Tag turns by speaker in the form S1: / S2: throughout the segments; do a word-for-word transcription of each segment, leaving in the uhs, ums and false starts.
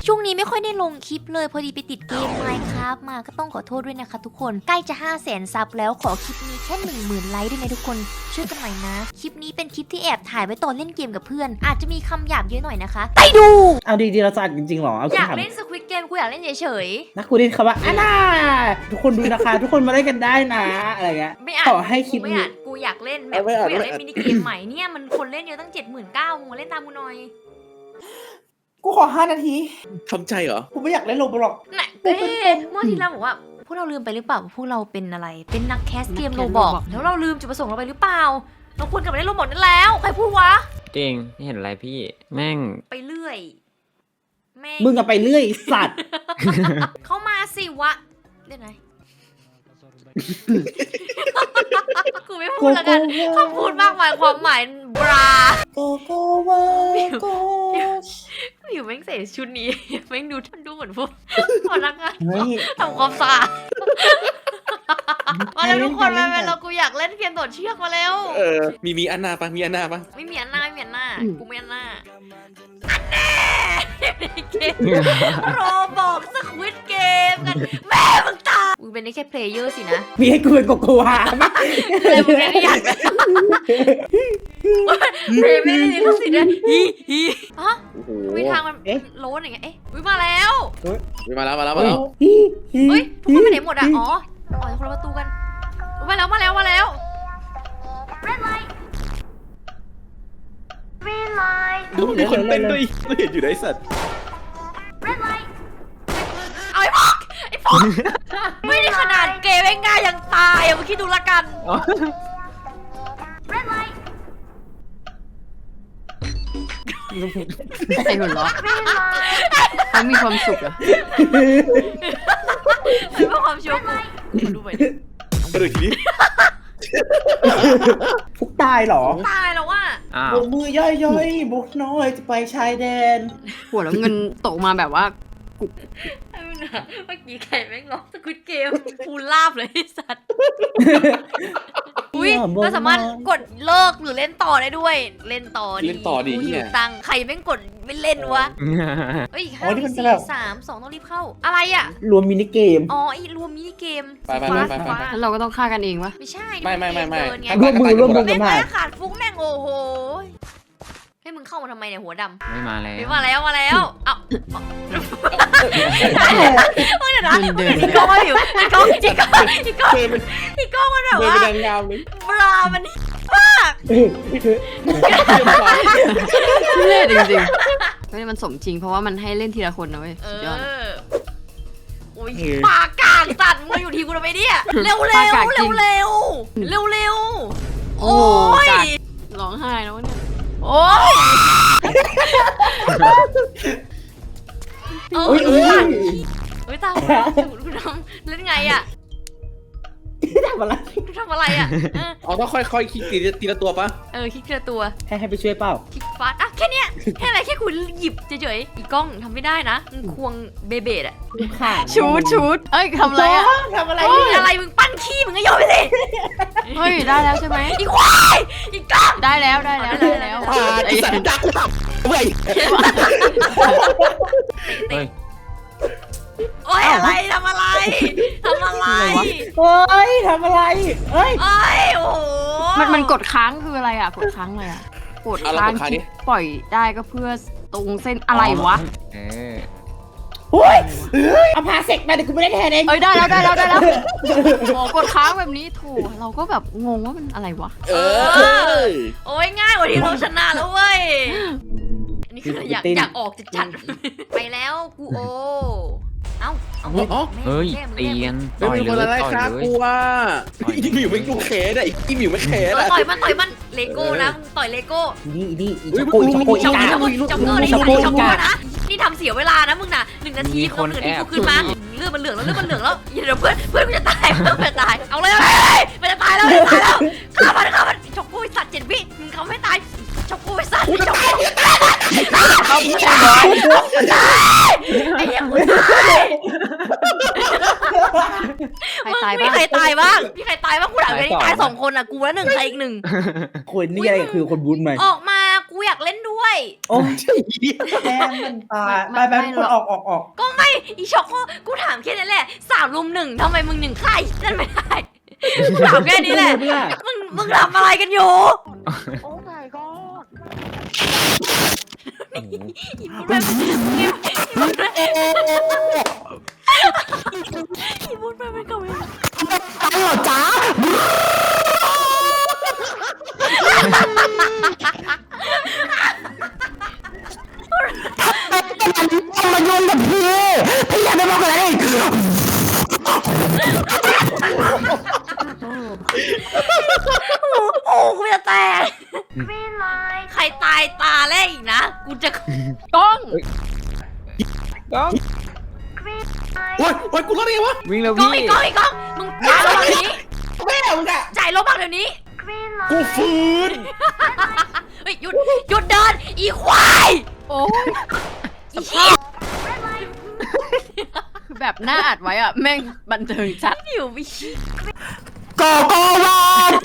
S1: ช่วงนี้ไม่ค่อยได้ลงคลิปเลยพอดีไปติดเกม Minecraft มาก็ต้องขอโทษด้วยนะคะทุกคนใกล้จะ ห้าแสน ซับแล้วขอคลิปนี้แค่ หนึ่งหมื่น ไลค์ด้วยนะทุกคนช่วยกันหน่อยนะคลิปนี้เป็นคลิปที่แอบถ่ายไว้ตอนเล่นเกมกับเพื่อนอาจจะมีคำหยาบเยอะหน่อยนะคะไปดู
S2: เอาดีๆเราจะอัดจริงๆหรอเอา
S1: อยาก
S2: ถาม
S1: เล่นสควิดเกมกูอยากเล่นเฉย
S2: นักกูได้คำว่าอันน่าทุกคนดูนะคะ ทุกคนมาเล่นกันได้นะอะไรเงี้ย
S1: ๆไม่อ่าน
S2: ขอให้คลิป
S1: ไม่
S2: นี้
S1: อ่านกูอยากเล่นแบบ
S2: เอาไม่อ่าน
S1: กูอยาก
S2: ไม่
S1: เล่น
S2: อ่าน
S1: มินิเกมใหม่เนี่ยมันคนเล่นเยอะตั้ง เจ็ดหมื่นเก้าพัน มึงมาเล่นตามกูหน่อย
S2: กูขอห้านาที
S3: ทำใจเหรอ
S2: กูไม่อยากเล่นโรบล็อก
S1: น่ะเอ๊ะเมื่อที่เราบอกว่าพวกเราลืมไปหรือเปล่าว่าพวกเราเป็นอะไรเป็นนักแคสเกมโรบอกแล้วเราลืมจุดประสงค์เราไปหรือเปล่าเราควรกลับไปเล่นโรบอกนั่นแล้วใครพูดวะ
S4: จริงไม่เห็นอะไรพี่แม่ง
S1: ไปเรื่อยแม่ง
S2: มึงอะไปเรื่อยสัตว์
S1: เข้ามาสิวะเล่นไหน กูไม่พูดแล้วกันคำพูดมากมายความหมายบรา
S2: โกโกวาโก
S1: อยู่แม่งใส่ชุดนี้แม่งดูมันดูเหมือนพวกพนักงาน
S2: เฮ้ย
S1: ทำความสะอาดมาแล้วทุกคนมาแล้วกูอยากเล่นเกมโดดเชือกมาแล้ว
S3: เออ มีมีอันนาปะมีอันนาปะ
S1: ไม่มีอันหน้าไม่มีอันหน้ากูไม่อันหน้าอันแน่เกมโรบอกสควิดเกมกันแม่มึงตายมึงเป็นได้แค่เพลเยอร์สินะ
S2: มีให้กูเป็นโกโกวาปะ
S1: แต่มึงไม่ได้อยากเพลไม่ได้เลยทุกสิ่งเลยฮีฮีฮะ
S3: โอ้โห
S1: มีทางมันโล้นอย่างเงี้ยเอ๊ะวิมาแล้ว
S3: มาแล้วมาแล้วมาแล้ว
S2: ฮิฮิ
S1: เฮ้ยทุกคนไปไหนหมดอ่ะอ๋ออ๋อคนละประตูกันมาแล้วมาแล้วมาแล้ว
S3: มีคนเต้นด้วยไม่เห็นอยู่ในสัตว์
S1: เอาไอ้พอกไอ้พอกไม่ได้ขนาดเกมง่ายยังตายอ่ะมึงคิดดูละกัน
S5: ใครหัวเราะเขามีความสุขอะ
S1: เพื่อความชัวร์กูดูไปดิ
S3: มาดูทีนี้
S2: ฟุกตายเหรอ
S1: ตายแล้วว่ะ
S4: อ้าว
S2: บกมือย่อยๆบุกน้อยจะไปชายแดน
S5: หัวแล้วเงินตกมาแบบว่า
S1: เมื่อกี้ใครแม่งร้องสกุดเกมฟูลาบเลยไอ้สัตว์อุ้ยเราสามารถกดเลิกหรือเล่นต่อได้ด้วย เล่นต่อดิ
S3: เล่นต่อดิ
S1: กูหิ
S3: เนี่
S1: วย ตังค์ใครแม่งกดไม่เล่นวะเฮ้ยห้าสี่สามสองต้องรีบเข้าอะไรอ่ะ
S2: รวมมินิเกม
S1: อ๋อไอ้รวมมินิเกม
S3: ไปไปไปไปไป
S5: แล้วเราก็ต้องฆ่ากันเองวะ
S1: ไม่ใช่
S3: ไม่ไม่ไม่ไม่
S1: เดินไง
S2: ร่วมมือร่วมมือ
S1: แม่
S2: กัน
S1: ง
S2: มา
S1: แม่งขาดฟุ้งแม่งโอ้โหให้มึงเข้ามาทำไมเนี่ยหัวดำ
S4: ไม่มาแล้ว
S1: มีมาแล้วมาแล้วเอ้าเดี๋ยวนะ
S5: เดิน
S1: อีกกล้องมาอยู่อีกกล้องอีกกล้องอีกกล้อง
S3: เดินเป็น
S1: อีกกล้องมันแบบ
S3: เดิน
S1: ว่า
S3: เป็นนางงามเลย
S1: บรามันมาก
S5: ทุเรศจริงๆไม่มันสมจริงเพราะว่ามันให้เล่นทีละคนนะเว้ย
S1: เอ
S5: สุดยอด
S1: อโอ้ยปากกางตัดมึงมาอยู่ทีกูทำไมเนี่ยเร็วเร็
S5: ปาก
S1: ว
S5: กางจริ
S1: เร็ว
S5: ง
S1: เร็วเร็วเร็ว
S5: โอ้
S1: โอ้
S5: โห
S1: ย
S5: กัดร้องไห้แล้วเนี่ย
S1: โอ้ยเออ
S2: อุ้ยอุ้ย
S1: เฮ้ยตามคุณทำเล่นไงอ่ะ
S2: ทำอะไร
S1: คุณทำอะไรอ่ะเออ
S3: อ๋อต้องค่อยๆคลิกทีละทีละตัวปะ
S1: เออคลิกทีละตัว
S2: ให้ให้ไปช่วยเปล่า
S1: คลิกฟาสอ่ะแค่เนี้ยแค่อะไรแค่คุณหยิบเฉยๆอีกกล้องทำไม่ได้นะมึงควงเบเบดอ่ะ
S2: ข่า
S5: ชูดชูดเอ้ยทำอะไรอะ
S2: ทำอะไร
S1: เฮ้ย
S2: เนี่ย
S1: อะไรมึงปั้นขี้มึงก็โยนไปสิ
S5: เฮ้ยได้แล้วใช่ไหม
S1: อีควายอีกกล้อง
S5: ได้แล้วได้แล้วได้แล้ว
S3: อ่าไอสัตว์ดักกูตับเว้ย
S4: เฮ้ย
S1: โอ้ยอะไรทำอะไรทำอะไร
S2: เฮ้ยทำอะไรเฮ้ย
S1: โอ้ยโอ้โห
S5: มันมันกดค้างคืออะไรอะกดค้างเลยอะกด
S3: เอาเรา
S5: ค้าง
S3: กดค้าง
S5: คลิ
S3: ดิ
S5: ปปล่อยได้ก็เพื่อตรงเส้นอะไรวะ
S4: เออ
S2: เฮ้ยเอาพาเสกมาเดี๋ยวกูไม่ได้แทนเอง
S5: เอ้ยได้แล้วได้แล้วได้แล้วโอ้กดค้างแบบนี้ถูกเราก็แบบงงว่ามันอะไรวะ
S3: เออ
S1: โอ้ยง่ายกว่าที่เราชนะแล้วเว้ยอันนี้คืออยากอยากออกจะจัดไปแล้วกูโอเอ้าเอา
S3: อ๋อ
S4: เฮ้ย
S1: แม่มึง
S4: ตี
S1: แม่
S4: กั
S1: มึง
S4: น
S3: ไม่มีคนอะไร
S4: ต่อย
S3: ครับ
S4: เลย
S3: กูว่า
S4: ต่อยเลย
S3: อีหมิวไม่กูเขนอ่ะอีหมิวไม่เขน
S1: เออ
S3: อ่ะ
S1: ต่อยมันต่อยมันเลโก้นะมึงต่อยเลโก้
S2: นี่นี่อี
S3: อุ๊ย
S2: ช็อกโกอีช็อกโก
S1: ช็อก
S2: อี
S1: เก
S2: กา
S1: อร์ช็อกเกอร์นี่
S2: ช็อกโก
S1: ช็อก
S2: อี
S1: เกอร์
S2: กา
S1: นะนี่ทำเสียเวลานะมึงน่ะหนึ่งนาทีคนอื่นที่กูขึ้นมาเลือดมันเหลืองแล้วเลือดมันเหลืองแล้วเดี๋ยวเพื่อนเพื่อนกูจะตายเพื่อนกูจะตายเอาเลยมันจะตายแล้วมันจะตายแล้วฆ่ามันฆ่ามันช็อกโก้สัตว์เจ็ดวิมึงเขาไม่ตายช็อกโก้สัตว์ช็อกโก้เขาไม่ตายไอ้เหี้ยกูตาย
S5: ใคร
S1: มึง
S5: ตาย
S1: มี
S5: บ้าง
S1: ใครตายบ้างมีใครตายบ้างกูถามเลยตายสองคนอ่ะกูแล้วหนึ่งใครอีกหนึ่ง
S2: คนนี่อะไรคือคนบูนใหม่
S1: ออกมากูอยากเล่นด้วย
S2: โอ้ย
S3: ใช่เหี้ย
S2: แม่มันตายไปไปทุกคนออกออกออก
S1: ก็ไม่อีช็อกโกกูถามแค่นี้แหละสามรุมหนึ่งทำไมมึงหนึ่งใครนั่นไม่ได้กูถามแค่นี้แหละมึงมึงทำอะไรกันอยู่
S5: โอ้ my god
S1: อีบุญไปอีบุญไปอีบุญไปมันก็ไม่
S2: ตายเหรอจ๊ะ มาโยนกับพี่พี่อยากได้บอกอะไร
S1: โอ้กูจะแตกใครตายตาแรกอีกนะกูจะ
S5: กล้อง
S4: ก้อง
S3: โอ๊ยโอ๊ยกูรอดได้ไงวะ
S4: วิ่งแล้ว
S1: กล้อง
S4: พี่
S1: อีกกล้องอีกกล้องมึงจ่ายลบบังเดี๋ยวนี้
S3: แม่มึงอะ
S1: จ่ายลบบังเดี๋ยวนี้
S3: กูฟื้น
S1: เฮ้ยหยุดหยุดเดินอีควาย
S5: โอ้ย
S1: อีเหี้ย
S5: คือแบบหน้าอัดไว้อะแม่งบันเทิงจัด
S1: อยู่วิ
S2: กอกวา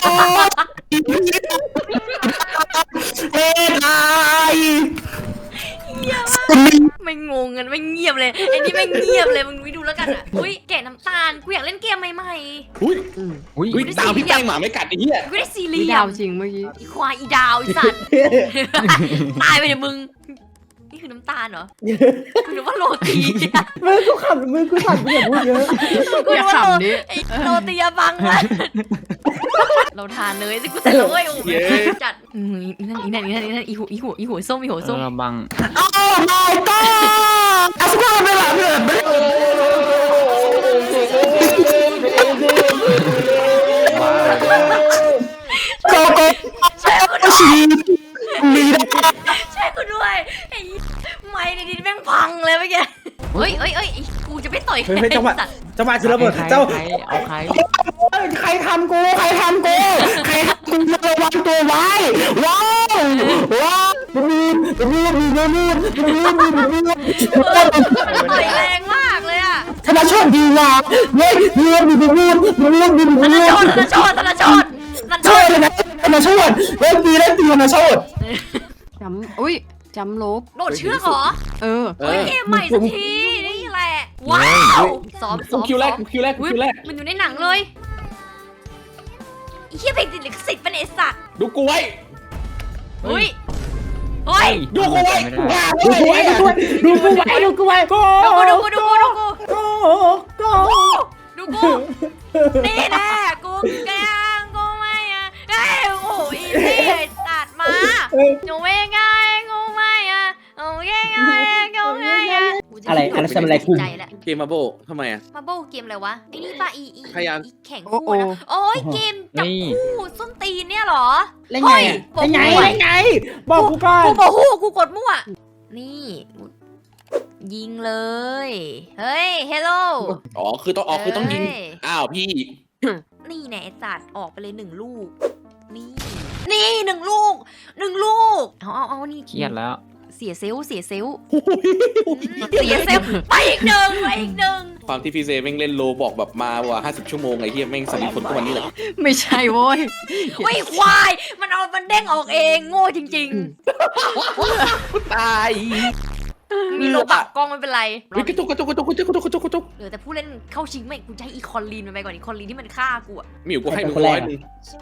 S2: เอ็นไอ
S1: เหี้ยมากไม่งงกันไม่เงียบเลยไอ้นี่ไม่เงียบเลยมึงไปดูแล้วกันอ่ะอุ้ยแกะน้ำตาลกูอยากเล่นเกมใหม่
S3: อุ้ย
S4: อุ้ย
S3: อุ้ยตามพี่แป้งหมาไม่กัดไอ้เหี้ย
S1: ๆกูได้ซี
S5: มี
S1: เรีย
S5: ดาว
S1: ม
S5: จริงเมื่อกี้
S1: อีควายอีดาวอีสัตว์ ตายไปเดี๋ยวมึงนี่คือน้ำตาลเหรอกูนึกว่าโรตี
S2: มือกูขับมือกูสั่นกูอย่าพูดเยอะ
S1: กู
S5: อย่า
S1: นึกว่าโร
S5: ขำดิ
S1: ไอ้โรตีอะบังละเราทานเลยสิกูแต่ละเว้ยโอ้โหจัดอืมอีนั่นอีนั่นอีนั่นอีนั่นอีหัวอีหัวอีหัวส้มอีหัวส้ม
S4: ระบัง
S2: โอ้ my god อาสุกาเป็นแบบนี้
S4: ว้าว
S2: โกโก้
S1: ช่วยกูด้วย
S2: ชีมีด
S1: ช่วยกูด้วยไอ้ไม่ในดินแม่งพังเลยเมื่อกี้เฮ้ยเฮ้ยเฮ้ยกูจะไม่ต่อย
S2: เฮ้ยจังหวะ
S1: สัตว์
S2: จังหวะคือระเบิด
S4: ใคร
S2: เจ้า
S4: ใครเอาใคร
S2: ใครทำกูใครทำกูใครทำกูระวังตัวไว้ว้าวว้าวมีมีมีมีมีมีมีมีมี
S1: เออมันต่อยแรงมากเลยอะ
S2: ธนชนดีว่ะเฮ้ยมีมีมีมีมีมีมี
S1: ธ
S2: มี
S1: นชนธนชนธนชนธนช
S2: ช่วย
S1: น
S2: เลยนะธนชนเล่นดีเล่นดีธนชน
S5: จำอุ้ยจำลบ
S1: โดดเชือกเหรอ
S5: เออ
S3: เอ
S1: เฮ้ย
S3: อ
S1: เกมใหม่สักทีนี่แหละว้าวซ้อม
S3: กู
S1: ซ้อม
S3: คิวแรก
S1: ซ้อม
S3: กูคิวแรกกู
S1: อุ๊ย
S3: คิวแรก
S1: มันอยู่ในหนังเลยไอ้เหี้ยเพลงติดลิขสิทธิ์เป็นไอสัตว์
S3: ดูกูไว้
S1: เฮ้ยเฮ้ย
S3: ดูกูไว้
S4: ไม่ได้
S2: ดูกูไว้ดูกูไว้ดูกูไว้ดูกูไว้
S1: ดูกูดูกูดูกูดูกู
S2: กูกู
S1: ดูกูนี่แน่กูแกงกูไม่อะเอ้ยโอ้ยนี่ตัดมาหนูไม่ไงกูไม่อะโอ้ยไงกูไม่อะ
S2: อะไรอะไรทำอะไรกู
S1: ใจแหละ
S3: เกมมาโบทำไมอะ
S1: มาโบเกมอะไรวะไอ้นี่ป่ะอีอี
S3: พยายาม
S1: อีแข่งคู่นะโอ้ยเกมจับคู่ส้นตีนเนี่ยเหรอ
S2: เล่นไงเล่นไงเล่นไงบอกกูก่อน
S1: กูบอกคู่กูกดมั่วนี่ยิงเลย เฮ้ยเฮลโล
S3: อ๋อคือต้องออกคือต้องยิงอ้าวพี่
S1: นี่แหน่จัดออกไปเลยหนึ่งลูก นี่ นี่หนึ่งลูกหนึ่งลูก เอาเอาเอานี่
S4: เครียดแล้ว
S1: เสียเซลลเสียเซลลเสียเซลลไปอีกหนึ่งไปอีกหนึ่ง
S3: ความที่พี่เซแม่งเล่นโลบอกแบบมาว่าห้าสิบชั่วโมงไอ้เหี้ยแม่งสนิทคนทุกวันนี้แหละ
S5: ไม่ใช่โว้ย
S1: ไม่ควาย มันเอามันเด้งออกเองโง่จริง
S3: ตาย
S1: ๆ มีโลบักกล้องไม่เป็นไร
S3: เฮ้ยกระตุกกระตุกกระตุกกระตุกกระตุกกระตุกกระตุก
S1: เหลือแต่ผู้เล่นเข้าชิงไม่กูจะให้อีคอนลีนมันไปก่อนอีคอนลีนที่มันฆ่ากูอะ
S3: หมิวกูให้มึงร้อยหนึง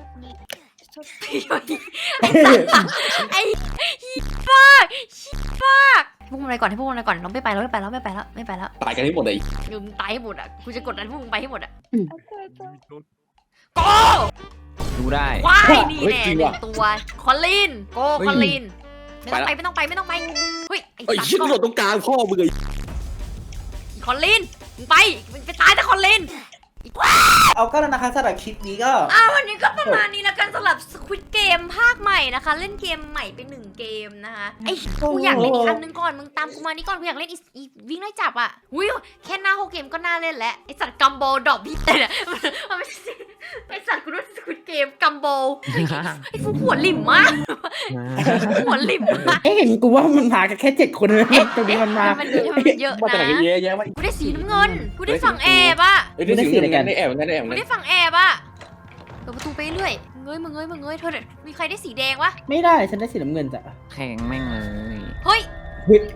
S1: ไอ้สัตว์ไอ้ฮีฟ้าฮีฟ้าพวกมึงอะไรก่อนให้พวกมึงอะไรก่อนเราไม่ไปแล้วไม่ไปแล้วไม่ไปแล้วไม่ไปแล้ว
S3: ตายกันให้หมดเลย
S1: เดี๋ยวมึงตายให้หมดอ่ะกูจะกดดันพวกมึงไปให้หมดอ่ะ
S5: อืม
S1: โก
S4: ดูได้
S1: ว้ายนี่แน่หนึ่งตัวคอนลีนโก
S4: เฮ้ย
S1: คอนลีนไม่ต้องไปไม่ต้องไปไม่ต้องไปเฮ้ยไอ้
S3: ไอ้
S1: สัต
S3: เหี้ย
S1: ว์
S3: โดดตรงกลางพ่อมึงไอ้
S1: คอนลีนมึงไปมึงไปตายแต่คอนลีน
S2: เอาก็แล้วนะคะสำหรับคลิปนี้ก็
S1: อ่าวันนี้ก็ประมาณนี้แล้วกันสำหรับ Squid Game ภาคใหม่นะคะ เล่นเกมใหม่ไปหนึ่งเกมนะคะไอ้กูอยากเล่นอีกอันนึงก่อนมึงตามกูมานี่ก่อนกูอยากเล่นอีอีวิ่งไล่จับอ่ะอุ้ยแค่หน้าโฮเกมก็น่าเล่นแล้วไอ้สัตว์กัมโบดอกพี่เนี่ยมันไม่ไอสัตว์กูด้วยสควิดเกมกัมโบไอฟูหัวหลิมมากหัวหลิมมาก
S2: เอ้เห็นกูว่ามันมากันแค่เจ็ดคนเลยตรงนี้มันมา
S1: มันเยอะมันเยอะ
S3: มาจากไหน
S1: นะ
S3: เยอะแยะวะ
S1: กูได้สีน้ำเงินกูได้ฝั่งแอบอะ
S3: เอ้ยได้สิ่งเหมือนกันได้แอบเหมือนกันได้แอบเหมื
S1: กู
S3: อนกัน
S1: ได้ฝั่งแอบอะเปิดประตูไปเรื่อยเงยมึงเงยมึงเงยเธอมีใครได้สีแดงวะ
S2: ไม่ได้ฉันได้สีน้ำเงินจ้ะ
S4: แข่งแม่งเลย
S1: เฮ้ย
S2: เฮ้ย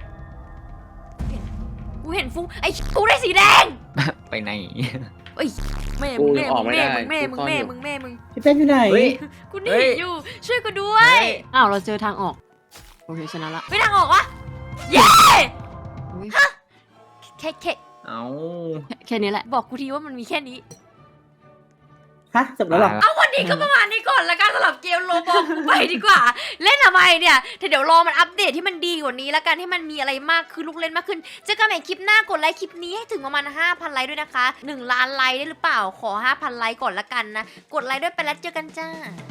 S1: กูเห็นฟูไอกูได้สีแดง
S4: ไปไหน
S1: เอ้ยแม่มึงแม่มึงแม่มึงแม่มึงแม่มึงแม่มึง
S2: พี่เป้นอยู่ไหน
S4: เฮ้ย
S1: กูหนี
S4: เฮ้ย
S1: อยู่ช่วยกูด้วย
S5: อ้าวเราเจอทางออกโอเคชนะละ
S1: ไม่ทางออกวะเย้
S5: อุ๊ย
S1: แค่แค่
S4: เอา
S5: แค่นี้แหละ
S1: บอกกูทีว่ามันมีแค่นี้
S2: ฮะจบแล้วเหรอ
S1: เอาวันนี้ก็ประมาณนี้ก่อนละกันสำหรับเกมโลบอกกูไปดีกว่า เล่นทำไมเนี่ยแต่เดี๋ยวรอมันอัปเดตที่มันดีกว่านี้ละกันให้มันมีอะไรมากขึ้นลูกเล่นมากขึ้นเจอกันใหม่คลิปหน้ากดไลค์คลิปนี้ให้ถึงประมาณ ห้าพัน ไลค์ด้วยนะคะหนึ่งล้านไลค์ได้หรือเปล่าขอ ห้าพัน ไลค์ก่อนละกันนะกดไลค์ด้วยไปแล้วเจอกันจ้า